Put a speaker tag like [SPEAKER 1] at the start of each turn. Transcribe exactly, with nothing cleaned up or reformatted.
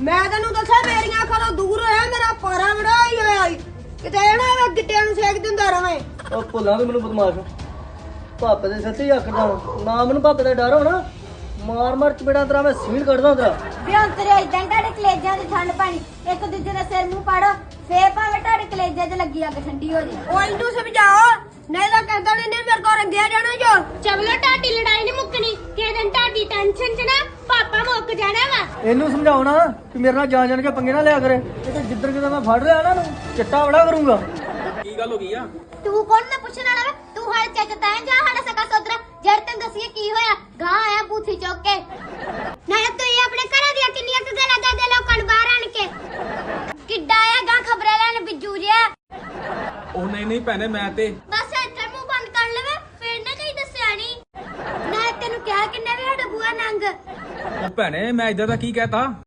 [SPEAKER 1] ਮੈਂ ਤੈਨੂੰ ਦੱਸਿਆ ਮੇਰੀਆਂ ਅੱਖਾਂ ਤੋਂ ਦੂਰ ਹੋਇਆ ਮੇਰਾ ਪਾਰਾ ਬੜਾ ਹੀ ਹੋਇਆ ਈ। ਕਿਤੇ ਨਾ ਵੇ ਗਿੱਟਿਆਂ ਨੂੰ ਸੇਕ ਦਿੰਦਾ ਰਵੇਂ।
[SPEAKER 2] ਉਹ ਭੁੱਲਾਂ ਵੀ ਮੈਨੂੰ ਬਦਮਾਸ਼ ਪਾਪੇ ਦੇ ਸੱਚੀ ਆਖਦਾ ਨਾ ਮੈਨੂੰ ਪਾਪੇ ਦਾ ਡਰ ਹੋਣਾ ਮਾਰ ਮਾਰ ਚਪੇੜਾ ਤੇਰਾ ਮੈਂ ਸੀਲ ਕੱਢਦਾ ਤੇਰਾ
[SPEAKER 3] ਵੀ ਹੁਣ ਤੇਰੇ ਇਦਾਂ ਤੁਹਾਡੇ ਕਲੇਜਾਂ ਦੀ ਠੰਡ ਪਾਣੀ ਇੱਕ ਦੂਜੇ ਦਾ ਸਿਰ ਮੂੰਹ ਪਾੜੋ ਫੇਰ ਭਾਵੇਂ ਤੁਹਾਡੇ ਕਲੇਜਾਂ 'ਚ ਲੱਗੀ ਅੱਗ ਠੰਡੀ ਹੋ ਜੇ।
[SPEAKER 1] ਉਹ ਇਹਨੂੰ ਸਮਝਾਓ ਨਹੀਂ ਤਾਂ ਕਹਿੰਦਾ ਨਹੀਂ ਮੇਰੇ ਕੋਲ ਰੰਗਿਆ ਜਾਣਾ ਜੋ।
[SPEAKER 4] ਚਵਲੋ ਤੁਹਾਡੀ ਲੜਾਈ ਨਹੀਂ ਮੁੱਕਣੀ ਕਿਸੇ ਦਿਨ ਤੁਹਾਡੀ ਟੈਨਸ਼ਨ 'ਚ ਨਾ ਪਾਪਾ ਮੁੱਕ ਜਾਣਾ ਵਾ।
[SPEAKER 2] ਇਹਨੂੰ ਸਮਝਾਉਣਾ ਕਿ ਮੇਰੇ ਨਾਲ ਜਾਣ ਜਾਣ ਕੇ ਪੰਗੇ ਨਾ ਲਿਆ ਕਰੇ ਇਹ ਤੇ ਜਿੱਧਰ ਕਿਤੇ ਮੈਂ ਫੜ ਲਿਆ ਨਾ ਨੂੰ ਚਿੱਟਾ ਬੜਾ ਕਰੂੰਗਾ।
[SPEAKER 5] ਕੀ ਗੱਲ ਹੋ ਗਈ ਆ?
[SPEAKER 3] ਤੂੰ ਕੌਣ ਨਾ ਪੁੱਛਣ ਵਾਲਾ ਵੇ ਤੂੰ ਹਾਲੇ ਚੱਜ ਤਾਂ ਜਾ ਸਾਡਾ ਸਕਾ ਸੋਦਰਾ ਜੜ ਤੈਨੂੰ ਦੱਸੀਏ ਕੀ ਹੋਇਆ ਗਾਂ ਆਇਆ ਬੂਥੀ ਚੁੱਕ ਕੇ ਨਾਲੇ ਤੂੰ ਇਹ ਆਪਣੇ ਘਰਾਂ ਦੀਆਂ ਕਿੰਨੀਆਂ ਕੁ ਗੱਲਾਂ ਦੱਸਦੇ ਲੋਕਾਂ ਨੂੰ ਬਾਹਰ ਆਣ ਕੇ ਕਿੱਡਾ ਆਇਆ ਗਾਂ ਖਬਰਾਂ ਲੈਣ ਬਿੱਜੂ ਜਿਹਾ।
[SPEAKER 5] ਉਹ ਨਹੀਂ ਨਹੀਂ ਭੈਣੇ ਮੈਂ ਤੇ
[SPEAKER 3] ਬਸ ਇੱਥੇ ਮੂੰਹ ਬੰਦ ਕਰ ਲਵੇ ਫੇਰ ਨਾ ਕਹੀਂ ਦੱਸਿਆ ਨਹੀਂ ਨਾ ਤੈਨੂੰ ਕਿਹਾ ਕਿੰਨੇ ਵੀ ਸਾਡਾ ਬੂਆ ਨੰਗ।
[SPEAKER 5] ਉਹ ਭੈਣੇ ਮੈਂ ਇਦਾਂ ਦਾ ਕੀ ਕਹਿਤਾ?